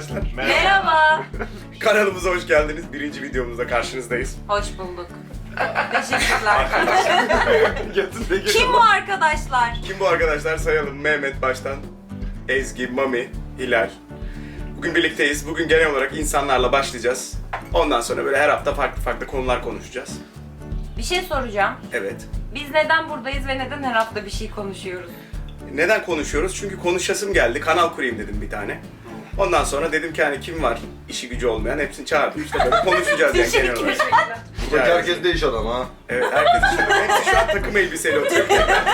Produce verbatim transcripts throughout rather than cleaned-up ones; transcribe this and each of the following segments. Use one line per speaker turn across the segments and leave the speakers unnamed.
arkadaşlar.
Merhaba.
Kanalımıza hoş geldiniz. Birinci videomuzda karşınızdayız.
Hoş bulduk. Teşekkürler. Kim bu arkadaşlar?
Kim bu arkadaşlar? Sayalım. Mehmet baştan, Ezgi, Mami, Hilal. Bugün birlikteyiz. Bugün genel olarak insanlarla başlayacağız. Ondan sonra böyle her hafta farklı farklı konular konuşacağız.
Bir şey soracağım.
Evet.
Biz neden buradayız ve neden her hafta bir şey konuşuyoruz?
Neden konuşuyoruz? Çünkü konuşasım geldi. Kanal kurayım dedim bir tane. Ondan sonra dedim ki hani kim var işi gücü olmayan hepsini çağırdım. İşte böyle konuşacağız yani genel olarak.
Bak herkes de iş adamı ha.
Evet, herkes işte hepsi şu an takım elbiseyle oturuyor.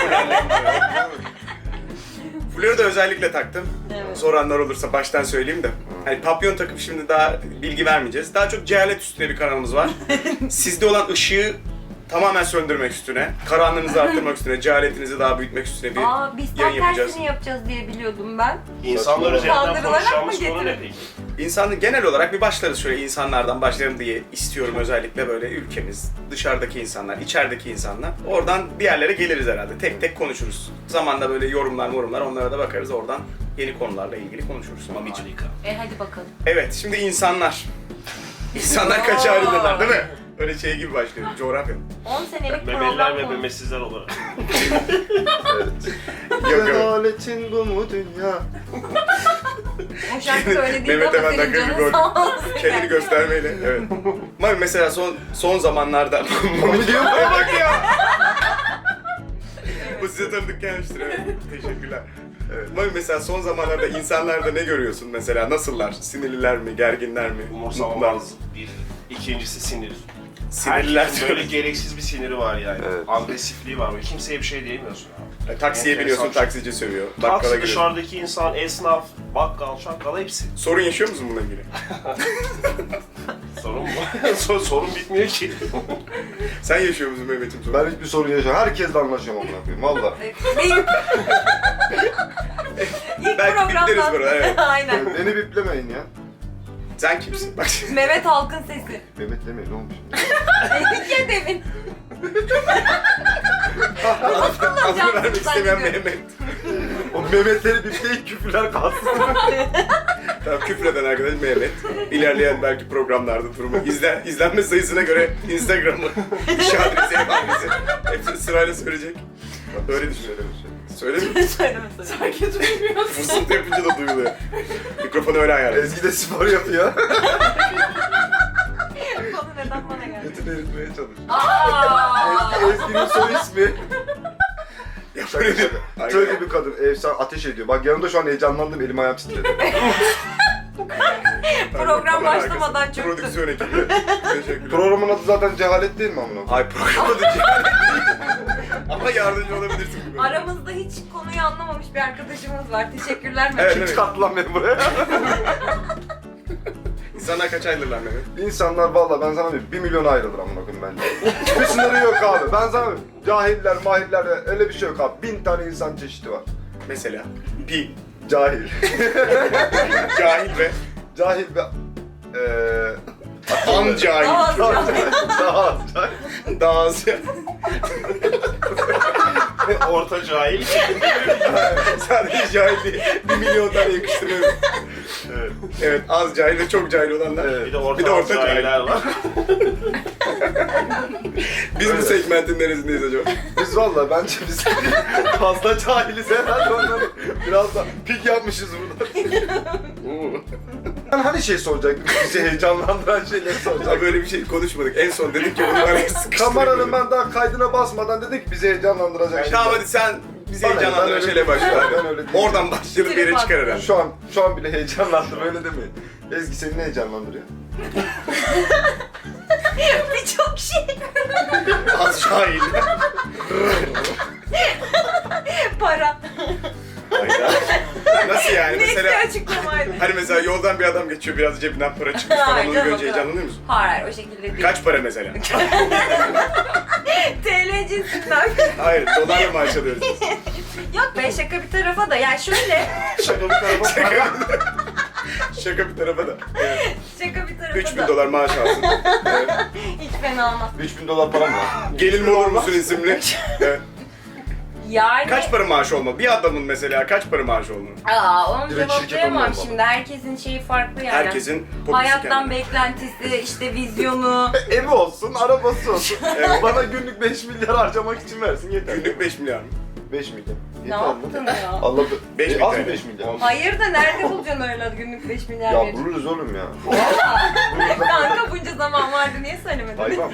Fuları da özellikle taktım.
Evet.
Soranlar olursa baştan söyleyeyim de. Hani papyon takıp şimdi daha bilgi vermeyeceğiz. Daha çok cehalet üstüne bir kanalımız var. Sizde olan ışığı tamamen söndürmek üstüne, karanlığınızı arttırmak üstüne, cehaletinizi daha büyütmek üstüne bir
Aa, biz
yayın
tam
yapacağız.
tersini yapacağız diye biliyordum ben.
İnsanlar üzerinden
Kandırılarak
konuşacağımız
mı
konu ne
getirdin?
peki?
İnsanı genel olarak bir başlarız şöyle insanlardan başlayalım diye istiyorum özellikle böyle ülkemiz, dışarıdaki insanlar, içerideki insanlar. Oradan bir yerlere geliriz herhalde. Tek tek konuşuruz. Zamanla böyle yorumlar morumlar onlara da bakarız. Oradan yeni konularla ilgili konuşuruz. Mamiciğim.
Harika.
E hadi bakalım.
Evet, şimdi insanlar. İnsanlar kaç ayrılırlar değil mi? Öyle şey gibi başlıyor, coğrafya.
on senelik
Memeliler
program
ve
konu.
memesizler olarak.
Yok yok.
Adaletin bu mu dünya?
O şarkı da öyle değil
Mehmet
ama
Efendi
senin
dakika bir
canın
gol.
sağ olsun.
Kendini göstermeyle, evet. Mami mesela son son zamanlarda...
Mami diyor mu?
bak ya! Bu size tanıdık gelmiştir, evet. Teşekkürler. Evet. Mami mesela son zamanlarda insanlarda ne görüyorsun mesela? Nasıllar? Sinirliler mi, gerginler mi? Mutlular mı?
Umursamamaz bir. İkincisi sinir.
Sinirliler
Herkesin böyle
diyoruz.
gereksiz bir siniri var yani.
Evet.
Agresifliği var. Böyle kimseye bir şey diyemiyorsun abi.
E, Taksiye
Enteresan
biniyorsun,
şey.
taksici sövüyor. Bakkala
Taksi
giriyorsun.
dışarıdaki insan, esnaf, bakkal, şakkal hepsi.
Sorun yaşıyor musun bununla ilgili?
Sorun mu? Sor- Sorun bitmiyor ki.
Sen yaşıyor musun Mehmet'im sorun?
Ben hiçbir sorun yaşamıyorum. Herkesle anlaşıyorum amına koyayım valla.
İlk, ilk
Belki bipleriz
programdan.
burada, evet.
Aynen.
Beni biplemeyin ya.
Sen kimsin? Bak şimdi.
Mehmet Halkın sesi.
Mehmet demeyin ne olmuş?
Dedik ya demin.
Adını vermek istemeyen
zannediyorum.
Mehmet.
O Mehmetleri bipleyin küfürler kalsın.
Tamam, küfreden arkadaş Mehmet. İlerleyen belki programlarda durumu izlen, izlenme sayısına göre Instagram'ı, iş adresi, ev adresi hepsini sırayla söyleyecek. Öyle düşünüyorum. Söyle mi?
Söyleme söyleme. Sanki duymuyorsun.
Fısıltı yapınca da duyuluyor. Mikrofonu öyle ayarla.
Ezgi de spor yapıyor.
Konu neden bana geldi?
Götünü eritmeye çalışıyor.
Aaa.
Ezgi, Ezgi'nin soy ismi.
Ya
Şaka
böyle
şaka.
Aynen.
Şöyle bir kadın. Efsane ateş ediyor. Bak yanımda şu an heyecanlandım. Elim ayağım titredi.
Program
Kamera
başlamadan
arkası,
çöktü.
Prodüksiyon ekibi. Teşekkürler.
Programın adı zaten cehalet değil mi amına koyayım?
Ay programı da cehalet değil. Ama yardımcı olabilirsin gibi.
Aramızda hiç konuyu anlamamış bir arkadaşımız var. Teşekkürler
Evet,
Mehmet.
Kim
evet.
çıkarttı lan beni buraya?
İnsanlar kaç ayrılırlar Mehmet?
İnsanlar valla ben sana diyeyim bir milyon ayrılır amına koyayım bence. Hiçbir sınırı yok abi. Ben sana diyeyim, cahiller, mahiller öyle bir şey yok abi. Bin tane insan çeşidi var.
Mesela pi,
Cahil.
cahil ve
Cahil ve eee
an cahil.
Aa,
daha az cahil.
Daha az.
Orta cahil.
Sadece cahil değil. Bir milyon tane yakıştırıyorum.
Evet.
Evet, az cahil ve çok cahil olanlar.
Evet.
Bir de orta,
Bir de orta
cahiller
cahil.
var.
Biz bu
Öyle.
segmentin neresindeyiz acaba?
Biz valla bence biz fazla cahiliz herhalde onları biraz da pik yapmışız burada. Ben hani şey soracaktım, bizi heyecanlandıran şeyleri
Ama
soracaktım.
böyle bir şey konuşmadık. En son dedik ki bunu araya sıkıştırmayalım.
Kameranın ben daha kaydına basmadan dedik ki bizi heyecanlandıracak şeyler.
Tamam hadi sen bizi
Bana- ben
heyecanlandıran
öyle
şeyle
değilim.
başla.
Ben öyle değilim.
Oradan başlayalım bir yere çıkar herhalde.
Şu an şu an bile heyecanlandım öyle demeyin. Ezgi seni ne heyecanlandırıyor?
birçok şey.
Az cahil.
Para.
Hayda. Nasıl yani?
Neyse
Mesela
açıklamaydı.
hani mesela yoldan bir adam geçiyor biraz cebinden para çıkmış falan
Hayır,
onu
canım,
görünce
o kadar.
heyecanlanıyor musun?
Hayır o şekilde değil.
Kaç para mesela?
T L cinsinden.
Hayır, dolarla maaş alıyoruz.
Yok be şaka bir tarafa da. Ya şöyle.
Şaka bir tarafa
Şaka, Şaka bir tarafa da. Evet.
Şaka bir tarafa
üç bin
da.
dolar maaş alsın. Evet.
Hiç fena olmaz.
üç bin dolar param var.
Gelin mi olur musun isimli? Evet.
Yani...
Kaç para maaşı olmalı? Bir adamın mesela kaç para maaşı olmalı?
Aa, onu
Direkt şirket
cevaplayamam
olmalı.
şimdi. Herkesin şeyi farklı yani.
Herkesin popüsü
Hayattan
kendine.
beklentisi, işte vizyonu.
Evi olsun, arabası olsun.
Evet.
Bana günlük beş milyar harcamak için versin yeter.
Günlük beş milyar mı?
beş milyar.
Ne
Yeter
yaptın
mi?
ya?
Allah
Beş
e,
bin
az
T L.
mı beş milyar?
Hayır da nerede bulacaksın öyle günlük beş milyar
Ya
verecek?
buluruz oğlum ya.
Kanka bunca zaman vardı niye söylemedin?
Hayvan.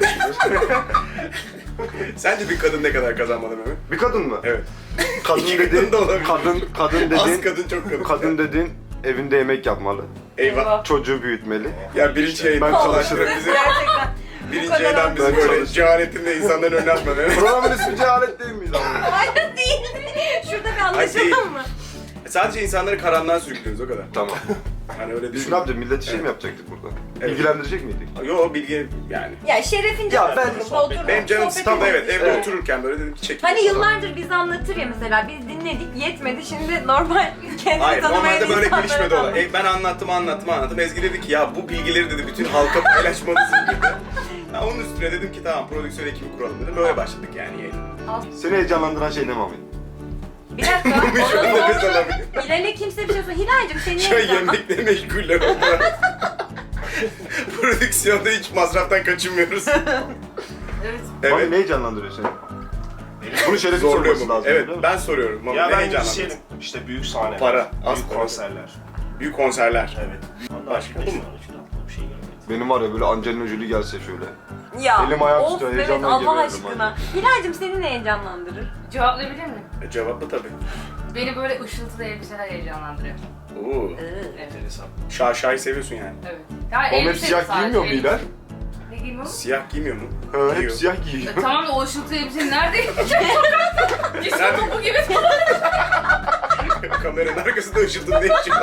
Sence bir kadın ne kadar kazanmalı Mehmet?
Bir kadın mı?
Evet.
Kadın
İki
dediğin,
kadın da olabilir.
kadın, kadın
Az
dediğin,
kadın çok kadın.
kadın dediğin evinde yemek yapmalı.
Eyvah.
Çocuğu büyütmeli.
Ya birinci yayından
Ben
çalıştırıp
çalışırım.
bizi
Gerçekten. Bu
birinci
kadar
yayından bizi
Ben
böyle
çalışırım.
cehaletinde insanların önüne atma Mehmet.
Programın ismi cehalet değil miyiz ama?
Hayır değil. Şurada bir
değil.
anlaşalım mı?
Sadece insanları karanlığa sürüklüyoruz o kadar.
Tamam.
Hani öyle
Biz
düşün.
ne yapacağız? Millet işi mi
Evet.
yapacaktık burada?
Evet.
İlgilendirecek miydik?
Yo bilgi yani.
Ya şerefince
Ya ben-
oturma, oturma.
Benim canım
Sohbet
sıkıldı
edelim
evet
işte.
evde
Evet.
otururken böyle dedim ki çekil.
Hani yıllardır bizi anlatır ya mesela biz dinledik yetmedi şimdi normal kendini
Hayır
tanımayan
normalde böyle
insanlara
gelişmedi
da
olay.
anlat.
E, ben anlattım anlattım anlattım. Ezgi dedi ki ya bu bilgileri dedi bütün halka paylaşmalısın dedi. Ben onun üstüne dedim ki tamam prodüksiyon ekibi kuralım dedim. Böyle başladık yani yayına.
Seni heyecanlandıran şey ne Mami?
Bir dakika.
Şu anda
onu
biz
sor.
alabilir.
Hilal'e kimse bir şey sor. Hilal'cim senin
Şu an
ne zaman?
yemekle meşguller oldular. Prodüksiyonda hiç masraftan kaçınmıyoruz.
Evet.
Mami
Evet.
ne heyecanlandırıyor seni? Bunu şerefli
Zorluyor
sorması
mu?
lazım.
Evet
biliyor musun?
ben soruyorum. Ama
Ya
ne
ben
heyecanlandınız?
müzisyenim. İşte büyük sahneler.
Para, az
büyük
para.
konserler.
Büyük konserler.
Evet.
Başka
Başka
bu mu?
bir şey görmedim.
Benim var ya böyle Angelina Jolie gelse şöyle.
Ya.
Elim ayağım
of
tutuyor,
evet
heyecandan
Allah
geliyorum
aşkına. Hilal'cim seni ne heyecanlandırır?
Cevaplayabilir miyim?
E, cevaplı tabii.
Beni böyle ışıltılı elbiseler heyecanlandırıyor.
Oo.
Enteresan.
Şaşayı seviyorsun yani.
Evet. Yani
Oğlum hep
elbise
siyah
sadece,
giymiyor mu
elbise.
Hilal?
Ne giymiyor mu?
Siyah giymiyor mu?
Ha, hep
Giyiyor.
siyah giyiyor.
E, tamam da o ışıltılı elbiseyi nerede giyecek? Gitsin
Nerede?
topu gibi.
Kameranın arkasında ışıldın ne işin var?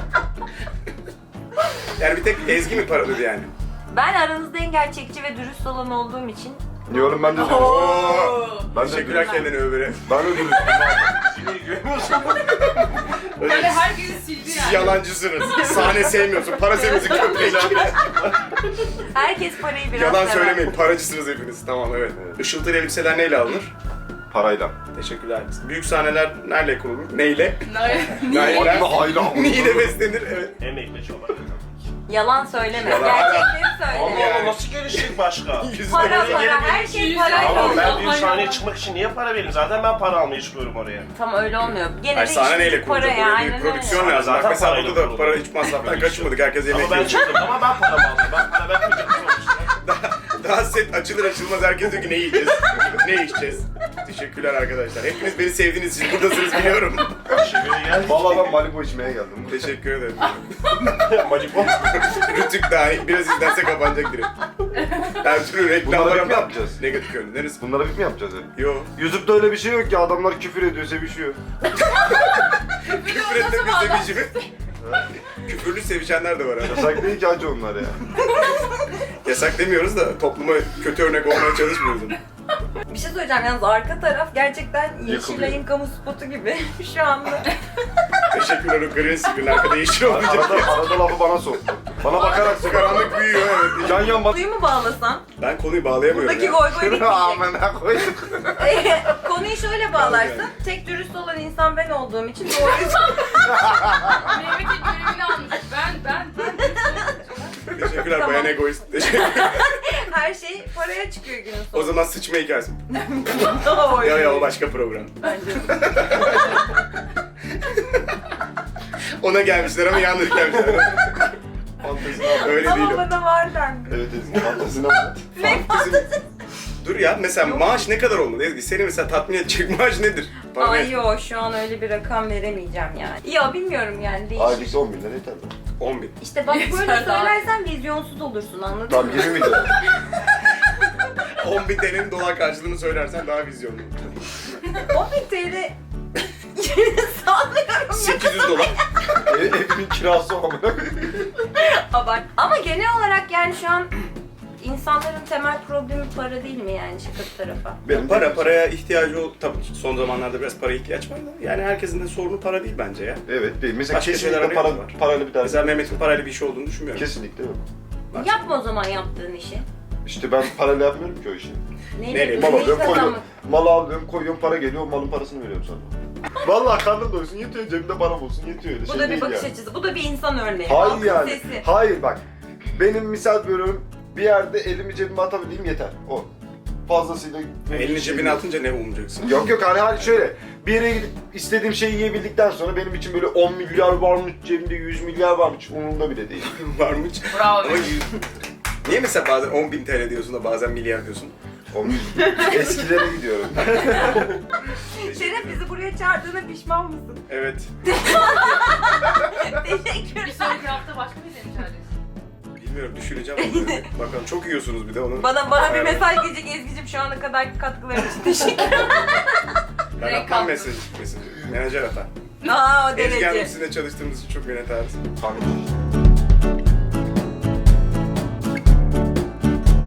Yani bir tek Ezgi mi paralı yani?
Ben aranızda en gerçekçi ve dürüst olan olduğum için.
Diyorum ben de
Oo.
Ben de
Teşekkürler
dürüstüm.
kendini övere.
Ben de dürüstüm.
Cini görmüyorsun.
Yani herkesi sildi
Siz
yani.
yalancısınız. Sahne sevmiyorsun, para seviyorsun köpek.
Herkes parayı biraz
Yalan
sever.
söylemeyin, paracısınız hepiniz. Tamam evet. Işıltılı elbiseler neyle alınır?
Parayla.
Teşekkürler. Büyük sahneler neyle kurulur? Neyle?
Niye?
Neyle?
Hayla.
Neyle beslenir? Evet.
Emekle çaba.
Yalan söyleme.
Yalan.
Gerçekleri
Allah
söyle.
Allah nasıl gelişecek başka?
Yüzde
Para
yüz.
para her şey parayla
Ama
oluyor.
ben büyük sahneye çıkmak için niye para vereyim? Zaten ben para almaya çıkıyorum oraya.
Tam öyle olmuyor. Gene
Hayır
de
sahne
işin
neyle
para
kurulacak?
ya.
Oraya bir
Aynen
prodüksiyon
öyle.
lazım. Bak
Zaten
mesela
parayla
burada da
kurulur.
para hiç masraftan kaçmadık. Herkes yemek
Ama ben
yiyor.
çıktım ama ben paramı aldım. Ben para vermeyeceğim sonuçta.
Daha set açılır açılmaz herkes diyor ki ne yiyeceğiz? Ne içeceğiz? Teşekkürler arkadaşlar. Hepiniz beni sevdiğiniz için buradasınız biliyorum.
Şiveri gel.
Vallahi ben Malibu içmeye geldim.
Teşekkür ederim.
Malibu.
Rütük dahil biraz izlense kapanacak direkt. Her türlü reklamlar
Bunları
ama
mi yapacağız?
negatif yönü. Neresi?
Bunlara biz mi yapacağız hep?
Yo.
YouTube'da öyle bir şey yok ki adamlar küfür ediyor, sevişiyor.
Küfür etmek bir sevici mi? Küfürlü sevişenler de var abi.
Yasak değil ki hacı onlar ya.
Yasak demiyoruz da topluma kötü örnek olmaya çalışmıyoruz ama.
Bir şey söyleyeceğim yalnız arka taraf gerçekten
Yakılıyor.
Yeşilay'ın kamu spotu gibi şu anda.
Teşekkürler o green screen arkada yeşil olmayacak.
Arada, arada lafı bana soktu. Bana bakarak sokar.
Karanlık büyüyor evet.
Yan yan bak.
Konuyu mu bağlasan?
Ben konuyu bağlayamıyorum
Buradaki
ya.
goy goy bitmeyecek.
Amına koydum.
Konuyu şöyle bağlarsın. Tek dürüst olan insan ben olduğum için doğruyu
Mehmet'in görevini almış. Ben, ben, ben.
Teşekkürler
Tamam.
bayan egoist. Teşekkürler.
her şey paraya çıkıyor günün
O
sonunda.
zaman sıçma hikayesi.
Oy.
Ya ya o başka program. Ona gelmişler ama yanlış gelmişler. Fantezi abi, öyle değil
Ama
o.
bana var dendi.
Evet Ezgi fantezine bak.
Fantezi- Dur ya mesela maaş ne kadar olmalı Ezgi? Seni mesela tatmin edecek maaş nedir? Bana
Ay
ne?
yo şu an öyle bir rakam veremeyeceğim yani. Yo bilmiyorum yani değişir.
Aylıkta on bin lira yeter mi?
on bin.
İşte bak böyle
Yeter daha.
söylersen vizyonsuz olursun anladın
Tamam
mı?
yirmi bin lira.
on bin T L'nin dolar karşılığını söylersen daha vizyonlu.
on bin T L sanmıyorum ya.
sekiz yüz dolar.
E, evinin kirası o amına.
Abart. Ama genel olarak yani şu an insanların temel problemi para değil mi yani şaka bir tarafa?
Benim
Para paraya ihtiyacı ol. Tabii son zamanlarda biraz para ihtiyaç var da. Yani herkesin de sorunu para değil bence ya.
Evet değil. Mesela
Başka şeyler
kesinlikle para,
arıyorlar.
parayla bir derdi.
Mesela Mehmet'in parayla bir şey olduğunu düşünmüyorum.
Kesinlikle yok.
Yapma o zaman yaptığın işi.
İşte ben parayla yapmıyorum ki o işi.
Neyle,
Neyle?
Baba
neyi
ben koyuyorum.
kazanmak?
Malı alıyorum, koyuyorum, para geliyor, o malın parasını veriyorum sana. Vallahi karnın doysun, yetiyor, cebimde param olsun, yetiyor öyle
Bu
şey
da bir
değil
bakış
yani.
açısı. Bu da bir insan örneği.
Hayır
Halkın
yani.
sesi.
Hayır bak. Benim misal veriyorum, bir yerde elimi cebime atabileyim yeter. O. Fazlasıyla...
Elini cebine atınca ne umucaksın?
Yok yok hani hani şöyle bir yere gidip istediğim şeyi yiyebildikten sonra benim için böyle on milyar varmış cebimde yüz milyar varmış umurumda bile değil.
Varmış.
Bravo.
Ama yüz... Niye mesela bazen on bin T L diyorsun da bazen milyar diyorsun?
on eskilere gidiyorum.
Şeref bizi buraya çağırdığına pişman mısın?
Evet.
Bir
Teşekkürler.
sonraki hafta başka bir demiş çağırıyorsun.
Bilmiyorum düşüneceğim onları. Bakalım çok yiyorsunuz bir de onu.
Bana bana bir
Evet.
mesaj gelecek Ezgi'cim şu ana kadar katkıların için teşekkür ederim.
Ben
Direkt
atmam
kalktım.
mesaj, mesajı. Menajer atar.
Aa o
Ezgi Hanım
derece.
sizinle çalıştığımız için çok minnettarız.
Kanka.